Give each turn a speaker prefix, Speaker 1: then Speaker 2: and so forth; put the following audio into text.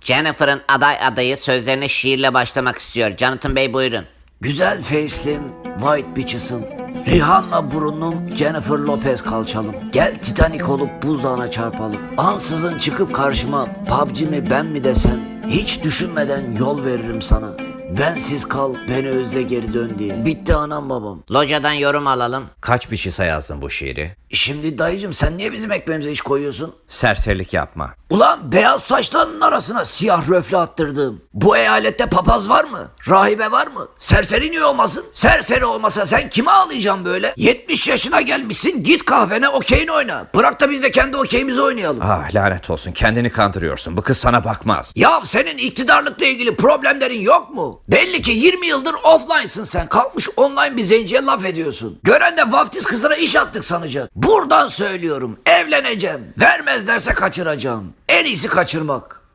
Speaker 1: Jennifer'ın aday adayı sözlerine şiirle başlamak istiyor. Jonathan Bey buyurun.
Speaker 2: Güzel face'lim, white bitch'ısın. Rihanna burunum, Jennifer Lopez kalçalım. Gel Titanic olup buzdağına çarpalım. Ansızın çıkıp karşıma PUBG mi ben mi desen, hiç düşünmeden yol veririm sana. Bensiz kal, beni özle geri dön diye. Bitti anam babam.
Speaker 1: Locadan yorum alalım.
Speaker 3: Kaç biçise yazdın bu şiiri?
Speaker 2: Şimdi dayıcım sen niye bizim ekmeğimize iş koyuyorsun?
Speaker 3: Serserilik yapma.
Speaker 2: Ulan beyaz saçlarının arasına siyah röfle attırdım. Bu eyalette papaz var mı? Rahibe var mı? Serseri niye olmasın? Serseri olmasa sen kime ağlayacaksın böyle? 70 yaşına gelmişsin, git kahvene okeyini oyna. Bırak da biz de kendi okeyimizi oynayalım.
Speaker 3: Ah lanet olsun, kendini kandırıyorsun. Bu kız sana bakmaz.
Speaker 2: Ya senin iktidarlıkla ilgili problemlerin yok mu? Belli ki 20 yıldır offline'sın sen. Kalkmış online bir zenciye laf ediyorsun. Gören de vaftiz kızına iş attık sanacak. Buradan söylüyorum, evleneceğim. Vermezlerse kaçıracağım. En iyisi kaçırmak.